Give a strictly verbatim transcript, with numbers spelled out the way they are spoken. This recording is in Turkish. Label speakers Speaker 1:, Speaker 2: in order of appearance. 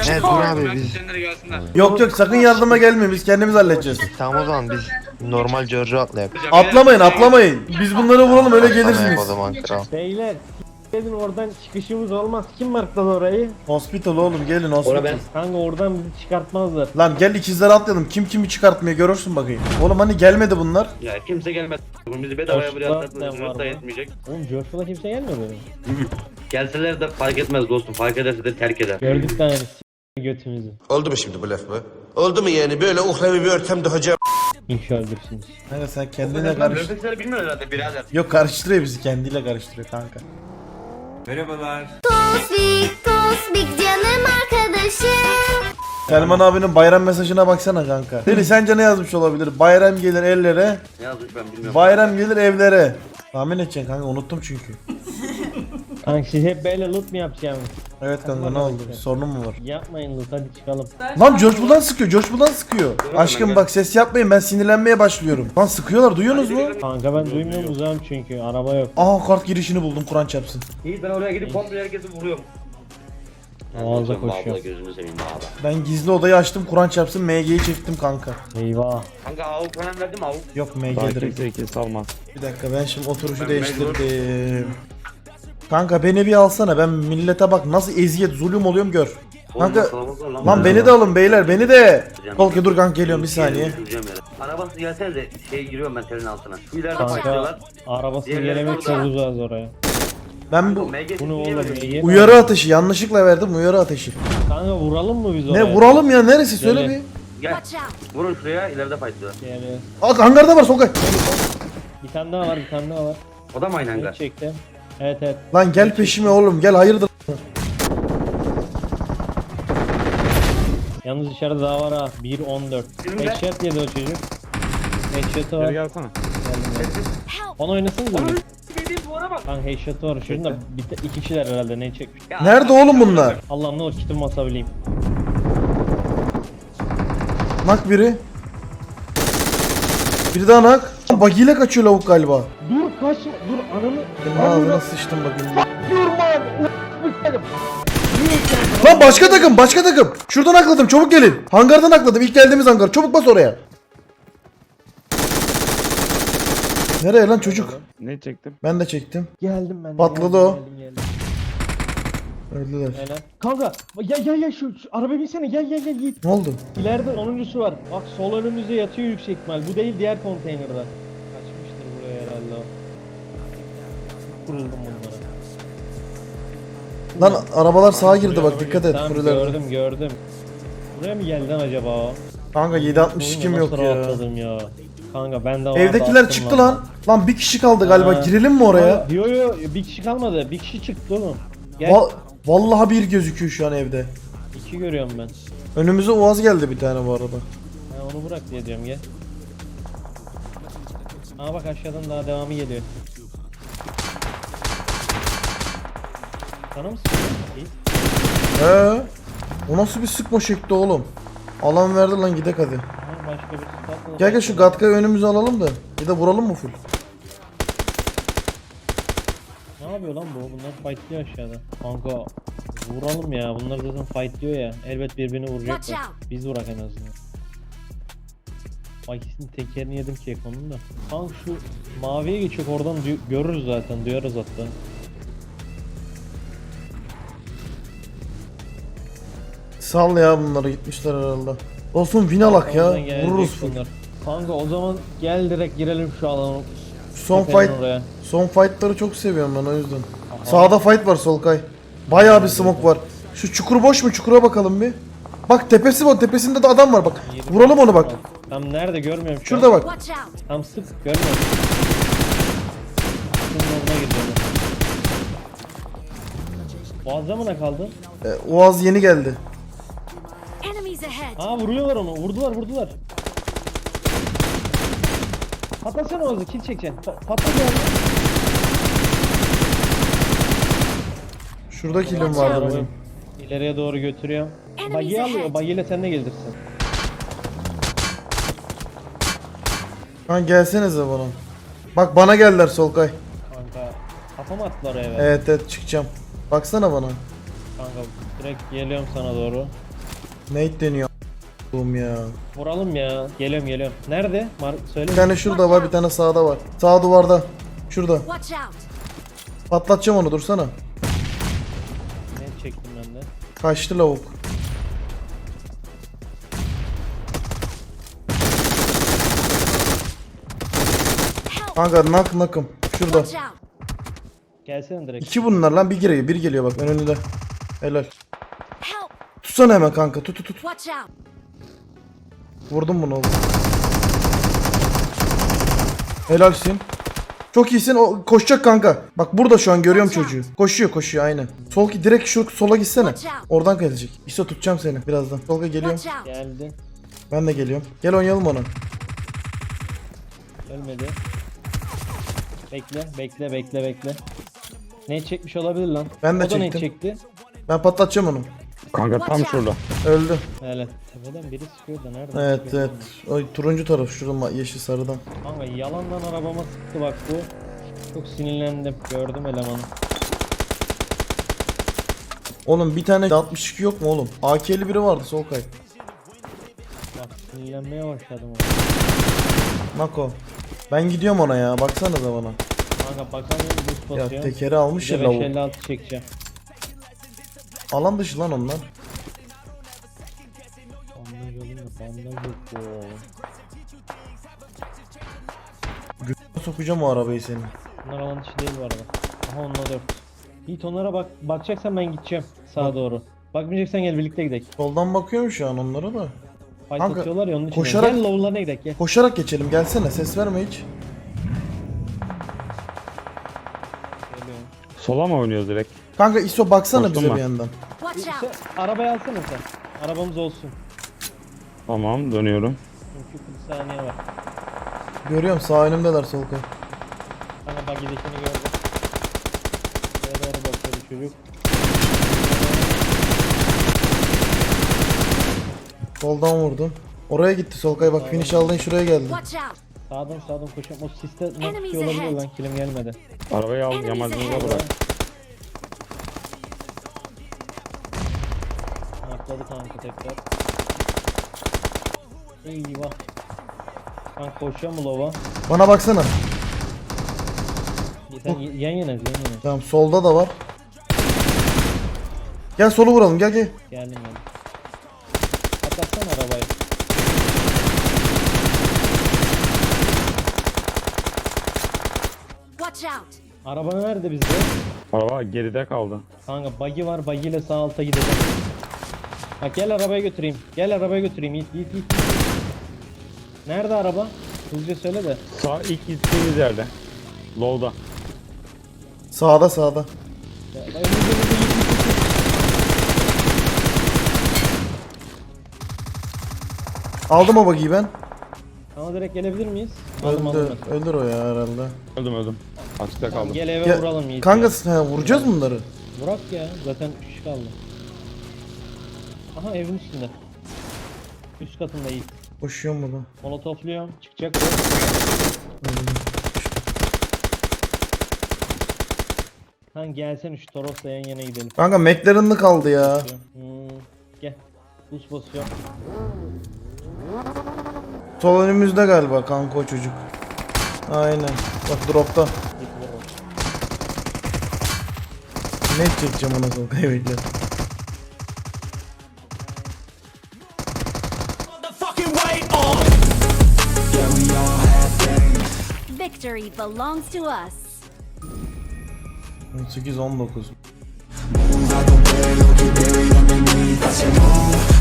Speaker 1: Evet dur abi biz.
Speaker 2: Yok yok sakın yardıma gelmeyin, biz kendimiz halledeceğiz.
Speaker 1: Tamam o zaman biz normal Giorgio atlayalım.
Speaker 2: Atlamayın atlamayın. Biz bunları vuralım öyle
Speaker 1: Atlamayalım
Speaker 2: gelirsiniz.
Speaker 1: o zaman kral.
Speaker 3: Beyler dedin oradan çıkışımız olmaz. Kim markladı orayı?
Speaker 2: Hospital oğlum, gelin hospital.
Speaker 3: Kanka oradan bizi çıkartmaz.
Speaker 2: Lan gel ikizleri atlayalım. Kim kimi çıkartmıyor görürsün bakayım. Oğlum hani gelmedi bunlar.
Speaker 4: Ya kimse gelmez. Bizi bedavaya buraya
Speaker 3: Başka ne var
Speaker 4: atlatmanız da
Speaker 3: mı?
Speaker 4: yetmeyecek.
Speaker 3: Oğlum Joshua kimse gelmiyor böyle.
Speaker 4: Gelseler de fark etmez dostum. Fark ederse de terk eder.
Speaker 3: Gördük tane s- götümüzü.
Speaker 5: Oldu mu şimdi bu laf mı? Oldu mu yani böyle uhrevi bir ortamda hocam?
Speaker 3: İnşallah öldürsünüz.
Speaker 2: Kanka sen kendine karış.
Speaker 4: Löfekleri bilmiyor herhalde birader.
Speaker 2: Yok karıştırıyor bizi, kendiyle karıştırıyor kanka.
Speaker 6: Tosbik, Tosbik canım arkadaşım.
Speaker 2: Selman abinin bayram mesajına baksana kanka. Deli sence ne yazmış olabilir? Bayram gelir ellere,
Speaker 4: Ne yazmış ben bilmiyorum.
Speaker 2: bayram gelir evlere. Tahmin edeceksin kanka, unuttum çünkü.
Speaker 3: Kanka siz hep böyle loot mu yapacaksınız?
Speaker 2: Evet kanka ne oldu? Bir sorunun mu var?
Speaker 3: Yapmayın loot, hadi çıkalım.
Speaker 2: Lan George buradan sıkıyor, George buradan sıkıyor. Aşkım bak ses yapmayın, ben sinirlenmeye başlıyorum. Lan sıkıyorlar, duyuyorsunuz mu?
Speaker 3: Kanka ben duymuyorum uzağım çünkü araba yok.
Speaker 2: Aha kart girişini buldum, Kur'an çarpsın.
Speaker 4: İyi ben oraya gidip komple herkesi vuruyorum.
Speaker 3: Ağızda
Speaker 4: Abla
Speaker 3: koşuyor.
Speaker 4: gözünü seveyim abi.
Speaker 2: Ben gizli odayı açtım, Kur'an çarpsın, M G'yi çektim kanka.
Speaker 3: Eyvah.
Speaker 4: Kanka avuk falan verdim avuk.
Speaker 2: Yok M G direkt. Bir dakika ben şimdi oturuşu
Speaker 4: Ben
Speaker 2: değiştirdim. Kanka beni bir alsana, ben millete bak nasıl eziyet zulüm oluyorum gör. Kanka lan beni de alın beyler, beni de. Tolki dur kanka geliyorum bir saniye.
Speaker 4: Arabası gelsene de şey giriyorum ben telin altına. Şu ileride
Speaker 3: Kanka
Speaker 4: başlıyorlar.
Speaker 3: arabası
Speaker 4: Diğerleri
Speaker 3: gelemek çok
Speaker 4: orada.
Speaker 3: uzağız oraya.
Speaker 2: Ben bu
Speaker 3: Bu ne oğlum? iyi.
Speaker 2: uyarı ateşi yanlışlıkla verdim, uyarı ateşi.
Speaker 3: Kanka vuralım mı biz oraya?
Speaker 2: Ne vuralım ya, neresi söyle
Speaker 3: Gel.
Speaker 2: bir.
Speaker 4: Gel.
Speaker 6: Watch out.
Speaker 4: Vurun şuraya ileride fightlıyorlar.
Speaker 3: Yani
Speaker 2: Aa hangarda var Solkay.
Speaker 3: bir tane daha var, bir tane daha var.
Speaker 4: O da mı aynı
Speaker 3: Ne
Speaker 4: hangar?
Speaker 3: çekti? Evet evet.
Speaker 2: Lan gel peşime oğlum, gel hayırdır.
Speaker 3: Yalnız içeride daha var ha. bir on dört.
Speaker 4: Bizimle-
Speaker 3: Headshot yedi o çocuk. Headshot'ı var. Geldim ya.
Speaker 6: Help.
Speaker 3: Onu oynasanız mı?
Speaker 4: Dediğim duvara bak.
Speaker 3: Lan headshot'ı var. Şurada bir te- iki kişiler herhalde ne çekmiş.
Speaker 4: Ya,
Speaker 2: Nerede oğlum bunlar?
Speaker 3: Allah'ım ne olur kitimi basabileyim.
Speaker 2: Nak biri. Biri daha nak. Bagiyle kaçıyor lavuk galiba.
Speaker 3: Dur kaçma. Dur ananı.
Speaker 2: Ağzına sıçtım bakayım. Lan başka takım, başka takım. Şuradan akladım, çabuk gelin. Hangardan akladım, ilk geldiğimiz hangar. Çabuk bas oraya. Nereye lan çocuk?
Speaker 7: Ne çektim?
Speaker 2: Ben de çektim.
Speaker 3: Geldim ben. de,
Speaker 2: Patladı
Speaker 3: geldim,
Speaker 2: o.
Speaker 3: Geldim, geldim.
Speaker 2: Öldüler.
Speaker 3: Helal. Kanka gel gel gel şu, şu araba binsene gel gel gel git.
Speaker 2: Ne oldu?
Speaker 3: İleride onuncusu var. Bak sol önümüzde yatıyor yüksek ihtimal. Bu değil diğer konteynerde. Kaçmıştır buraya herhalde o. Kuruldum bunlara.
Speaker 2: Lan arabalar sağa girdi bak,
Speaker 3: Buraya
Speaker 2: dikkat
Speaker 3: araba
Speaker 2: et.
Speaker 3: girdi. Tamam,
Speaker 2: Furiler.
Speaker 3: gördüm gördüm. Buraya mı geldi lan acaba o?
Speaker 2: Kanka yedi altmış iki mi yok
Speaker 3: Nasıl
Speaker 2: ya?
Speaker 3: rahatladım ya. Kanka ben de vardı,
Speaker 2: Evdekiler
Speaker 3: attım
Speaker 2: çıktı lan. Lan bir kişi kaldı galiba.
Speaker 3: Ha.
Speaker 2: Girelim mi oraya?
Speaker 3: Yo yo bir kişi kalmadı. Bir kişi çıktı oğlum. Gel.
Speaker 2: Va- Vallahi bir gözüküyor şu an evde.
Speaker 3: İki görüyorum ben.
Speaker 2: Önümüze Uaz geldi bir tane bu arada.
Speaker 3: Ha, onu bırak diye diyorum gel. Aa bak aşağıdan daha devamı geliyor. Sana mı sıkıyor? İyi.
Speaker 2: He. O nasıl bir sıkma şekli oğlum? Alan verdi lan, gidek hadi.
Speaker 3: Ha, başka bir sıkıntı.
Speaker 2: Gel gel şu Gatka'yı önümüze alalım da. Bir de vuralım mı full?
Speaker 3: Ne yapıyor lan bu? Bunlar fightlıyor aşağıda. Kanka vuralım ya. Bunlar zaten fightlıyor ya. Elbet birbirini
Speaker 6: Watch
Speaker 3: vuracaklar.
Speaker 6: out.
Speaker 3: Biz vurak en azından. Bak ikisinin tekerini yedim ki onun da. Kanka şu maviye geçecek oradan duy- görürüz zaten. Duyarız hatta.
Speaker 2: Sal ya, bunları gitmişler herhalde. Olsun win alak ya.
Speaker 3: Oradan gelecek
Speaker 2: Vururuz full.
Speaker 3: bunlar. Kanka o zaman gel direkt girelim şu alana.
Speaker 2: Son
Speaker 3: Tepenin
Speaker 2: fight,
Speaker 3: oraya.
Speaker 2: son fightları çok seviyorum ben o yüzden. Sağda fight var Solkay. Bayağı bir smoke var. Şu çukur boş mu? Çukura bakalım bir. Bak tepesi var. Tepesinde de adam var bak. Vuralım onu bak.
Speaker 3: Tam nerede görmüyorum şu
Speaker 2: Şurada
Speaker 3: an.
Speaker 2: bak.
Speaker 6: Watch out.
Speaker 3: Tam sık görmüyorum. Şunun oruna gidiyorum. Boğazda mı ne kaldı?
Speaker 2: Ee, Uaz yeni geldi.
Speaker 6: Enemies ahead.
Speaker 3: Aa vuruyorlar onu. Vurdular vurdular. Patlasana Oğuz'u kill çekeceksin. Pa patla geldi.
Speaker 2: Şurada kilim vardı benim.
Speaker 3: İleriye doğru götürüyorum.
Speaker 6: Enemies
Speaker 3: Bagiyi alıyor.
Speaker 6: ahead.
Speaker 3: Bagiyle sen de gelirsin.
Speaker 2: Lan gelsenize bana. Bak bana geldiler Solkay.
Speaker 3: Kanka kafa mı attılar eve?
Speaker 2: Evet evet çıkacağım. Baksana bana.
Speaker 3: Kanka direkt geliyorum sana doğru.
Speaker 2: Nate deniyor a**ım ya.
Speaker 3: Vuralım ya. Geliyorum geliyorum. Nerede? Mar söyle.
Speaker 2: Bir tane şurada var, bir tane sağda var. Sağ duvarda. Şurada.
Speaker 6: Watch out.
Speaker 2: Patlatacağım onu, dursana.
Speaker 3: Ne çektim ben de.
Speaker 2: Kaçtı lavuk.
Speaker 6: Help.
Speaker 2: Kanka nak nakım. Şurada.
Speaker 6: Watch out.
Speaker 3: Gelsene direkt.
Speaker 2: İki bunlar lan, bir geliyor, bir geliyor bak önünde. Helal.
Speaker 6: Help.
Speaker 2: Tutsana hemen kanka, tut tut tut.
Speaker 6: Watch out.
Speaker 2: Vurdum bunu oğlum. Helalsin. Çok iyisin. O koşacak kanka. Bak burada şu an görüyorum çocuğu. Koşuyor koşuyor aynen. Sol ki direkt şu sola gitsene. Oradan gelecek. İşte tutacağım seni birazdan. Solga geliyorum.
Speaker 6: Watch out.
Speaker 3: Geldi.
Speaker 2: Ben de geliyorum. Gel oynayalım onu.
Speaker 3: Ölmedi. Bekle bekle bekle bekle. Ne çekmiş olabilir lan?
Speaker 2: Ben de
Speaker 3: o da ne
Speaker 2: çektim.
Speaker 3: çekti?
Speaker 2: Ben patlatacağım onu.
Speaker 7: Kanka tam şurada.
Speaker 2: Öldü.
Speaker 3: Evet. Tepeden biri sıkıyor da nereden
Speaker 2: Evet
Speaker 3: sıkıyor?
Speaker 2: evet. O turuncu taraf şurada yeşil sarıdan.
Speaker 3: Kanka yalandan arabama sıktı bak bu. Çok sinirlendim. Gördüm elemanı.
Speaker 2: Oğlum bir tane altmış iki yok mu oğlum? A K'li biri vardı sol kay.
Speaker 3: Bak sinirlenmeye başladım.
Speaker 2: Nako. Ben gidiyorum ona ya. Baksanıza bana.
Speaker 3: Kanka bakamıyorum boost
Speaker 2: Ya
Speaker 3: basıyor.
Speaker 2: tekeri almış
Speaker 3: Bir
Speaker 2: ya
Speaker 3: de
Speaker 2: lavuk.
Speaker 3: beş elli altı çekeceğim.
Speaker 2: Alan dışı lan onlar.
Speaker 3: Bandaj alayım da bandaj yok bu.
Speaker 2: Sokacağım o arabayı senin.
Speaker 3: Bunlar alan dışı değil bu arada. Aha onunla dört. Yiğit onlara bak, bakacaksan ben gideceğim sağa doğru. Bakmayacaksan gel birlikte gidelim.
Speaker 2: Soldan bakıyorum şu an onlara da.
Speaker 3: Fight
Speaker 2: Kanka,
Speaker 3: atıyorlar ya onun için.
Speaker 2: koşarak-
Speaker 3: Gel low'larına gidelim gel.
Speaker 2: Koşarak geçelim gelsene, ses verme hiç.
Speaker 3: Geliyorum.
Speaker 7: Sola mı oynuyoruz direkt?
Speaker 2: Kanka İso baksana
Speaker 7: Koştum
Speaker 2: bize
Speaker 7: ben.
Speaker 2: bir yandan.
Speaker 6: Watch
Speaker 3: İşte
Speaker 6: out.
Speaker 3: arabayı alsana sen. Arabamız olsun.
Speaker 7: Tamam dönüyorum.
Speaker 3: Çünkü kırk saniye var.
Speaker 2: Görüyorum sağ önümdeler sol kay.
Speaker 3: Hani bagidekini gördüm. Buraya doğru bakıyor çocuk.
Speaker 2: Soldan vurdum. Oraya gitti sol kay, bak finish aldın şuraya geldi.
Speaker 6: Watch out.
Speaker 3: Sağdan sağdan koşuyorum. O siste nasıl
Speaker 6: Enemies
Speaker 3: tutuyor olabilir
Speaker 6: ahead.
Speaker 3: lan kilim gelmedi.
Speaker 7: Arabayı al
Speaker 6: Enemies
Speaker 7: yamacınıza
Speaker 6: ahead.
Speaker 7: bırak.
Speaker 3: Atladı kanka tekrar. Eyvah. Kanka koşuyor mu lova?
Speaker 2: Bana baksana.
Speaker 3: Sen y- yan yana yan yana.
Speaker 2: Tamam solda da var. Gel solu vuralım, gel gel.
Speaker 3: Geldim ben. Atlatsana arabayı.
Speaker 6: Watch out.
Speaker 3: Araba nerede bizde?
Speaker 7: Araba geride kaldı.
Speaker 3: Kanka buggy var, buggy ile sağ alta gideceğim. Bak gel arabaya götüreyim. Gel arabaya götüreyim. Yiğit yiğit yiğit. Nerede araba? Hızlıca söyle de.
Speaker 7: Sağ ilk gittiğimiz yerde. Low'da.
Speaker 2: Sağda sağda.
Speaker 3: Ya, önümüzde önümüzde yiğit, yiğit, yiğit.
Speaker 2: Aldım o bagiyi ben.
Speaker 3: Ama direkt gelebilir miyiz? Aldım
Speaker 2: Öldü.
Speaker 3: aldım ben.
Speaker 2: Öldür o ya herhalde.
Speaker 7: Öldüm öldüm. Açıkta
Speaker 3: Tamam,
Speaker 7: kaldım.
Speaker 3: gel eve
Speaker 2: Gel-
Speaker 3: vuralım Yiğit.
Speaker 2: Kanka
Speaker 3: ya.
Speaker 2: he, vuracağız bunları.
Speaker 3: Burak ya zaten üç kişi kaldı. Aha evin üstünde. Üst katında Yiğit.
Speaker 2: Koşuyorum burada.
Speaker 3: Molotofluyorum. Çıkacak. Lan gelsene şu Toros'la yan yana gidelim.
Speaker 2: Kanka McLaren'lı kaldı ya.
Speaker 3: Hmm, gel. Buz basıyorum.
Speaker 2: Sol önümüzde galiba kanka o çocuk. Aynen. Bak dropta.
Speaker 3: Yıkılır o.
Speaker 2: Ne çekeceğim ona sol kaybedeceğim.
Speaker 6: Victory belongs to us.
Speaker 2: on sekiz on dokuz.
Speaker 8: Move out the way, look at Barry underneath. I said move.